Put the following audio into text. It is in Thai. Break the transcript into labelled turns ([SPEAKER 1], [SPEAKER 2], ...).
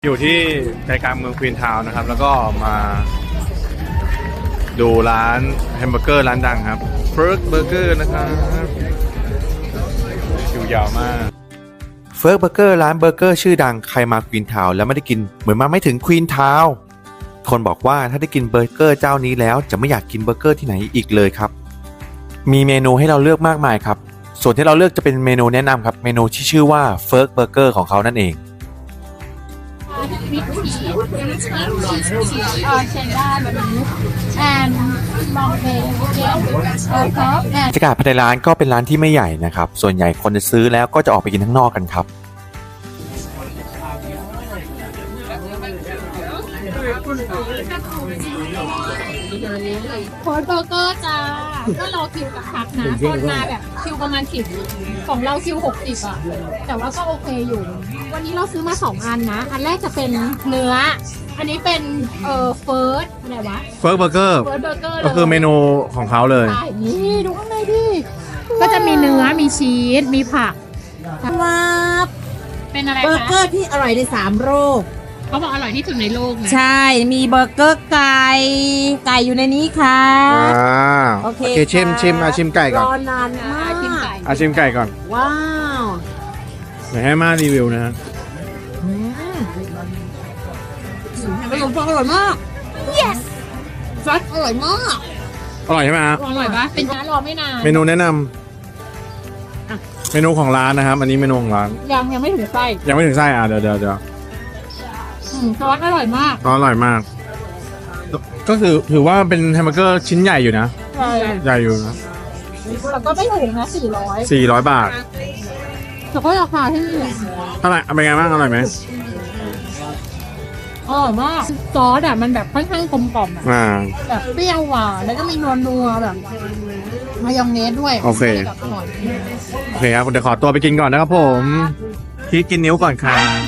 [SPEAKER 1] อยู่ที่ใจกลางเมืองควีนทาวน์นะครับแล้วก็มาดูร้านแฮมเบอร์เกอร์ร้านดังครับเฟิร์กเบอร์เกอร์นะครับคิวยาวมากเฟิร์กเบอร์เกอร์ร้านเบอร์เกอร์ชื่อดังใครมาควีนทาวน์แล้วไม่ได้กินเหมือนมาไม่ถึงควีนทาวน์คนบอกว่าถ้าได้กินเบอร์เกอร์เจ้านี้แล้วจะไม่อยากกินเบอร์เกอร์ที่ไหนอีกเลยครับมีเมนูให้เราเลือกมากมายครับส่วนที่เราเลือกจะเป็นเมนูแนะนำครับเมนูที่ชื่อว่าเฟิร์กเบอร์เกอร์ของเขานั่นเองบรรยากาศภายในร้านก็เป็นร้านที่ไม่ใหญ่นะครับส่วนใหญ่คนจะซื้อแล้วก็จะออกไปกินข้างนอกกันครับ
[SPEAKER 2] โค้ดเบอร์เกอร์จ้าก็รอคิวกับพักนะคนมาแบบคิวประมาณ10ของเราคิว60อ่ะแต่ว่าก็โอเคอยู่วันนี้เราซื้อมา2อันนะอันแรกจะเป็นเนื้ออันนี้เป็นเฟิร์สอะไรวะ
[SPEAKER 1] เฟิร์กเบอร์เกอร์ก็คือเมนูของเขาเลย
[SPEAKER 2] ใช่นี่ดูข้างในดิก็จะมีเนื้อมีชีสมีผัก
[SPEAKER 3] ว้าว
[SPEAKER 2] เป็นอะไรคะ
[SPEAKER 3] เบอร์เกอร์ที่อร่อยใน3โลก
[SPEAKER 2] เขาบอกอร่อยที่สุดในโลกนะ
[SPEAKER 3] ใช่มีเบอร์เกอร์ไก่อยู่ในนี้ค่ะ
[SPEAKER 1] โอเคชิมชิมไก่ก่อน
[SPEAKER 3] รอนานมาก
[SPEAKER 1] ชิมไก่ก่อน
[SPEAKER 3] ว้าว
[SPEAKER 1] เดี๋ยวให้มารีวิวนะฮะ
[SPEAKER 3] ขนมปังอร่อยมาก yes ซอสอร่อยมาก
[SPEAKER 1] อร่อยใช่ไหมฮะ
[SPEAKER 2] อร่อยปะเป็นร้านรอไม่นาน
[SPEAKER 1] เมนูแนะนำเมนูของร้านนะครับอันนี้เมนูของร้าน
[SPEAKER 2] ยังไม่ถึงไส้
[SPEAKER 1] ยังไม่ถึงไส้เดี๋ยว
[SPEAKER 2] ซอสอร่อยมาก
[SPEAKER 1] อร่อยมากก็คือถือว่าเป็นแฮมเบอร์เกอร์ชิ้นใหญ่อยู่นะใหญ่อยู่นะ
[SPEAKER 2] แล้วก็ไม่ถูกนะ
[SPEAKER 1] 400 บาท
[SPEAKER 2] แต่ก็ราคาที่
[SPEAKER 1] เท่าไหร่เป็นไงบ้างอร่อยไหม
[SPEAKER 2] อร่อยมากซอสอ่ะมันแบบค่อนข้างกลมกล่อมแบบเปรี้ยวหวานแล้วก็มีนัวแบบมายองเนสด้วย
[SPEAKER 1] โอเคครับเดี๋ยวขอตัวไปกินก่อนนะครับผมที่กินนิ้วก่อนค่ะ